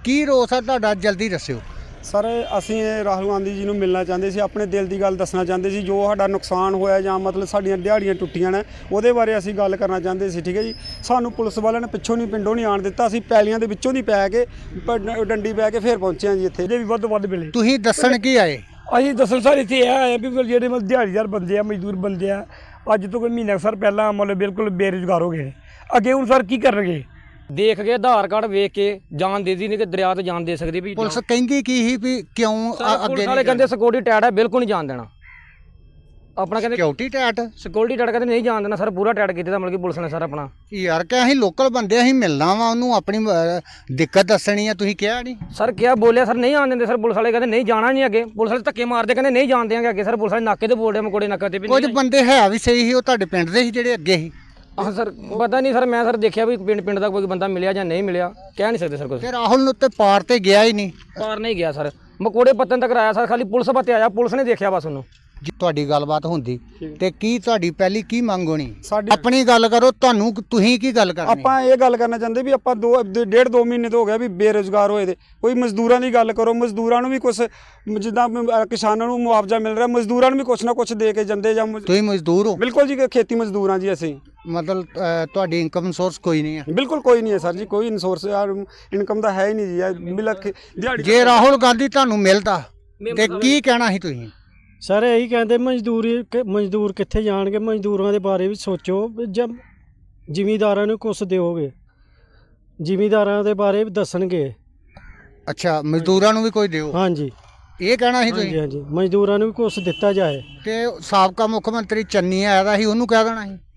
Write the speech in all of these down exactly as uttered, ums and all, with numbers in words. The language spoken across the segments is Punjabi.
ਕੀ ਰੋਸ ਆ ਤੁਹਾਡਾ, ਜਲਦੀ ਦੱਸਿਓ। ਸਰ ਅਸੀਂ ਰਾਹੁਲ ਗਾਂਧੀ ਜੀ ਨੂੰ ਮਿਲਣਾ ਚਾਹੁੰਦੇ ਸੀ, ਆਪਣੇ ਦਿਲ ਦੀ ਗੱਲ ਦੱਸਣਾ ਚਾਹੁੰਦੇ ਸੀ, ਜੋ ਸਾਡਾ ਨੁਕਸਾਨ ਹੋਇਆ ਜਾਂ ਮਤਲਬ ਸਾਡੀਆਂ ਦਿਹਾੜੀਆਂ ਟੁੱਟੀਆਂ ਨੇ ਉਹਦੇ ਬਾਰੇ ਅਸੀਂ ਗੱਲ ਕਰਨਾ ਚਾਹੁੰਦੇ ਸੀ। ਠੀਕ ਹੈ ਜੀ, ਸਾਨੂੰ ਪੁਲਿਸ ਵਾਲਿਆਂ ਨੇ ਪਿੱਛੋਂ ਨਹੀਂ, ਪਿੰਡੋਂ ਨਹੀਂ ਆਣ ਦਿੱਤਾ। ਅਸੀਂ ਪੈਲੀਆਂ ਦੇ ਵਿੱਚੋਂ ਦੀ ਪੈ ਕੇ ਡੰਡੀ ਪੈ ਕੇ ਫਿਰ ਪਹੁੰਚੇ ਹਾਂ ਜੀ ਇੱਥੇ। ਜੇ ਵੀ ਵੱਧ ਵੱਧ ਮਿਲੇ ਤੁਸੀਂ ਦੱਸਣ ਕੀ ਆਏ? ਅਸੀਂ ਦੱਸਣ ਸਰ ਇੱਥੇ ਇਹ ਆਏ ਵੀ ਜਿਹੜੇ ਮਤਲਬ ਦਿਹਾੜੀਦਾਰ ਬੰਦੇ ਆ, ਮਜ਼ਦੂਰ ਬੰਦੇ ਆ, ਅੱਜ ਤੋਂ ਕੋਈ ਮਹੀਨਾ ਸਰ ਪਹਿਲਾਂ ਮਤਲਬ ਬਿਲਕੁਲ ਬੇਰੁਜ਼ਗਾਰ ਹੋ ਗਏ ਨੇ। ਅੱਗੇ ਹੁਣ ਸਰ ਕੀ ਕਰਨਗੇ? ਦੇਖ ਕੇ ਆਧਾਰ ਕਾਰਡ ਵੇਖ ਕੇ ਜਾਨ ਦੇ ਦੀ ਨਹੀਂ ਕਿ ਦਰਿਆ ਤੇ ਜਾਨ ਦੇ ਸਕਦੀ ਵੀ। ਪੁਲਿਸ ਕਹਿੰਦੀ ਕੀ ਸੀ ਵੀ ਕਿਉਂ ਅੱਗੇ ਵਾਲੇ ਕਹਿੰਦੇ ਸਿਕਿਉਰਿਟੀ ਟੈਟ ਹੈ, ਬਿਲਕੁਲ ਨਹੀਂ ਜਾਣ ਦੇਣਾ। ਆਪਣਾ ਕਹਿੰਦੇ ਸਿਕਿਉਰਿਟੀ ਟੈਟ ਸਿਕਿਉਰਿਟੀ ਟੈਟ ਕਹਿੰਦੇ ਨਹੀਂ ਜਾਣ ਦੇਣਾ ਸਰ, ਪੂਰਾ ਟੈਟ ਕੀਤਾ ਤਾਂ ਮਤਲਬ ਕਿ ਪੁਲਿਸ ਨੇ ਸਰ ਆਪਣਾ। ਯਾਰ ਕਿ ਅਸੀਂ ਲੋਕਲ ਬੰਦੇ, ਅਸੀਂ ਮਿਲਣਾ ਵਾ ਉਹਨੂੰ, ਆਪਣੀ ਦਿੱਕਤ ਦੱਸਣੀ ਆ, ਤੁਸੀਂ ਕਿਹਾ ਨਹੀਂ? ਸਰ ਕਿਹਾ ਬੋਲਿਆ ਸਰ ਨਹੀਂ ਆਣ ਦਿੰਦੇ ਸਰ, ਪੁਲਿਸ ਵਾਲੇ ਕਹਿੰਦੇ ਨਹੀਂ ਜਾਣਾ ਨਹੀਂ ਅੱਗੇ। ਪੁਲਿਸ ਵਾਲੇ ਧੱਕੇ ਮਾਰਦੇ ਕਹਿੰਦੇ ਨਹੀਂ ਜਾਣ ਦੇਵਾਂਗੇ ਅੱਗੇ। ਸਰ ਪੁਲਿਸ ਵਾਲੇ ਨਾਕੇ ਤੇ ਬੋਲਦੇ ਮਕੋੜੇ ਨਾਕੇ ਤੇ ਵੀ ਕੁਝ ਬੰਦੇ ਹੈ ਵੀ ਸਹੀ ਸੀ, ਉਹ ਤੁਹਾਡੇ ਪਿੰਡ ਦੇ ਸੀ ਜਿਹੜੇ ਅੱਗੇ ਸੀ। ਹਾਂ ਸਰ ਪਤਾ ਨਹੀਂ ਸਰ, ਮੈਂ ਸਰ ਦੇਖਿਆ ਵੀ ਪਿੰਡ ਪਿੰਡ ਦਾ ਕੋਈ ਬੰਦਾ ਮਿਲਿਆ ਜਾਂ ਨਹੀਂ ਮਿਲਿਆ, ਕਹਿ ਨਹੀਂ ਸਕਦੇ ਸਰ ਕੁਝ। ਤੇ ਰਾਹੁਲ ਨੂੰ ਉੱਤੇ ਪਾਰ ਤੇ ਗਿਆ ਹੀ ਨਹੀਂ। ਪਾਰ ਨਹੀਂ ਗਿਆ ਸਰ, ਮਕੋੜੇ ਪੱਤਨ ਤੱਕ ਆਇਆ ਸਰ, ਖਾਲੀ ਪੁਲਿਸ ਪੱਤੇ ਆਇਆ, ਪੁਲਿਸ ਨੇ ਦੇਖਿਆ ਬਸ ਉਹਨੂੰ। ਜੀ ਤੁਹਾਡੀ ਗੱਲਬਾਤ ਹੁੰਦੀ ਤੇ ਕੀ ਤੁਹਾਡੀ ਪਹਿਲੀ ਕੀ ਮੰਗ ਹੋਣੀ? ਸਾਡੀ ਆਪਣੀ ਗੱਲ ਕਰੋ, ਤੁਹਾਨੂੰ ਤੁਸੀਂ ਕੀ ਗੱਲ ਕਰਨੀ? ਆਪਾਂ ਇਹ ਗੱਲ ਕਰਨਾ ਚਾਹੁੰਦੇ ਵੀ ਆਪਾਂ ਦੋ ਡੇਢ ਦੋ ਮਹੀਨੇ ਤੋਂ ਹੋ ਗਿਆ ਵੀ ਬੇਰੁਜ਼ਗਾਰ ਹੋਏ ਦੇ। ਕੋਈ ਮਜ਼ਦੂਰਾਂ ਦੀ ਗੱਲ ਕਰੋ, ਮਜ਼ਦੂਰਾਂ ਨੂੰ ਵੀ ਕੁਛ ਜਿੱਦਾਂ ਕਿਸਾਨਾਂ ਨੂੰ ਮੁਆਵਜ਼ਾ ਮਿਲ ਰਿਹਾ, ਮਜ਼ਦੂਰਾਂ ਨੂੰ ਵੀ ਕੁਛ ਨਾ ਕੁਛ ਦੇ ਕੇ ਜਾਂਦੇ ਜਾਂ। ਤੁਸੀਂ ਮਜ਼ਦੂਰ ਹੋ? ਬਿਲਕੁਲ ਜੀ, ਖੇਤੀ ਮਜ਼ਦੂਰਾਂ ਜੀ ਅਸੀਂ। ਮਤਲਬ ਤੁਹਾਡੀ ਇਨਕਮ ਸੋਰਸ ਕੋਈ ਨਹੀਂ ਹੈ? ਬਿਲਕੁਲ ਕੋਈ ਨਹੀਂ ਹੈ ਸਰ ਜੀ, ਕੋਈ ਸੋਰਸ ਇਨਕਮ ਦਾ ਹੈ ਹੀ ਨਹੀਂ ਜੀ। ਮਿਲਕ ਦਿਹਾੜੀ ਜੇ ਰਾਹੁਲ ਗਾਂਧੀ ਤੁਹਾਨੂੰ ਮਿਲਦਾ ਤੇ ਕੀ ਕਹਿਣਾ ਸੀ ਤੁਸੀਂ? ਸਰ ਇਹੀ ਕਹਿੰਦੇ ਮਜ਼ਦੂਰੀ ਮਜ਼ਦੂਰ ਕਿੱਥੇ ਜਾਣਗੇ, ਮਜ਼ਦੂਰਾਂ ਦੇ ਬਾਰੇ ਵੀ ਸੋਚੋ। ਜਦ ਜ਼ਿਮੀਂਦਾਰਾਂ ਨੂੰ ਕੁਛ ਦਿਓਗੇ, ਜ਼ਿਮੀਂਦਾਰਾਂ ਦੇ ਬਾਰੇ ਵੀ ਦੱਸਣਗੇ। ਅੱਛਾ, ਮਜ਼ਦੂਰਾਂ ਨੂੰ ਵੀ ਕੋਈ ਦਿਓ, ਹਾਂਜੀ ਇਹ ਕਹਿਣਾ ਸੀ ਹਾਂਜੀ ਤੁਸੀਂ? ਹਾਂਜੀ ਮਜ਼ਦੂਰਾਂ ਨੂੰ ਵੀ ਕੁਛ ਦਿੱਤਾ ਜਾਏ। ਤੇ ਸਾਬਕਾ ਮੁੱਖ ਮੰਤਰੀ ਚੰਨੀ ਆਇਆ ਦਾ ਸੀ, ਉਹਨੂੰ ਕਹਿ ਦੇਣਾ ਸੀ।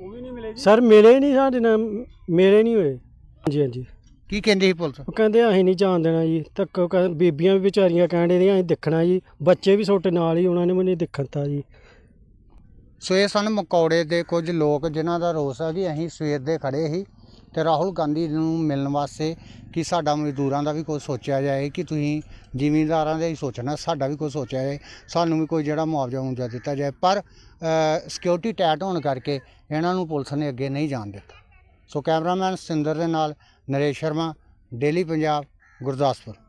ਸਰ ਮਿਲੇ ਨਹੀਂ, ਸਾਡੇ ਨਾਲ ਮਿਲੇ ਨਹੀਂ ਹੋਏ। ਹਾਂਜੀ ਹਾਂਜੀ ਕੀ ਕਹਿੰਦੀ ਸੀ ਪੁਲਿਸ? ਉਹ ਕਹਿੰਦੇ ਅਸੀਂ ਨਹੀਂ ਜਾਣ ਦੇਣਾ ਜੀ, ਤੱਕ ਬੀਬੀਆਂ ਵੀ ਵਿਚਾਰੀਆਂ ਕਹਿਣ ਦੀਆਂ ਅਸੀਂ ਦੇਖਣਾ ਜੀ, ਬੱਚੇ ਵੀ ਛੋਟੇ ਨਾਲ ਹੀ, ਉਹਨਾਂ ਨੇ ਮੈਨੂੰ ਦੇਖਣ ਤਾ ਜੀ। ਸੋ ਇਹ ਸਨ ਮਕੌੜੇ ਦੇ ਕੁਝ ਲੋਕ ਜਿਨ੍ਹਾਂ ਦਾ ਰੋਸ ਹੈ ਕਿ ਅਸੀਂ ਸਵੇਰ ਦੇ ਖੜੇ ਸੀ ਤੇ ਰਾਹੁਲ ਗਾਂਧੀ ਨੂੰ ਮਿਲਣ ਵਾਸਤੇ ਕਿ ਸਾਡਾ ਮਜ਼ਦੂਰਾਂ ਦਾ ਵੀ ਕੁਝ ਸੋਚਿਆ ਜਾਏ, ਕਿ ਤੁਸੀਂ ਜ਼ਿਮੀਂਦਾਰਾਂ ਦਾ ਹੀ ਸੋਚਣਾ, ਸਾਡਾ ਵੀ ਕੁਝ ਸੋਚਿਆ ਜਾਏ, ਸਾਨੂੰ ਵੀ ਕੋਈ ਜਿਹੜਾ ਮੁਆਵਜ਼ਾ ਮੁਆਵਜ਼ਾ ਦਿੱਤਾ ਜਾਏ। ਪਰ ਸਿਕਿਉਰਿਟੀ ਟੈਟ ਹੋਣ ਕਰਕੇ ਇਹਨਾਂ ਨੂੰ ਪੁਲਿਸ ਨੇ ਅੱਗੇ ਨਹੀਂ ਜਾਣ ਦਿੱਤਾ। ਸੋ ਕੈਮਰਾਮੈਨ ਸਿੰਦਰ ਦੇ ਨਾਲ ਨਰੇਸ਼ ਸ਼ਰਮਾ, ਡੇਲੀ ਪੰਜਾਬ, ਗੁਰਦਾਸਪੁਰ।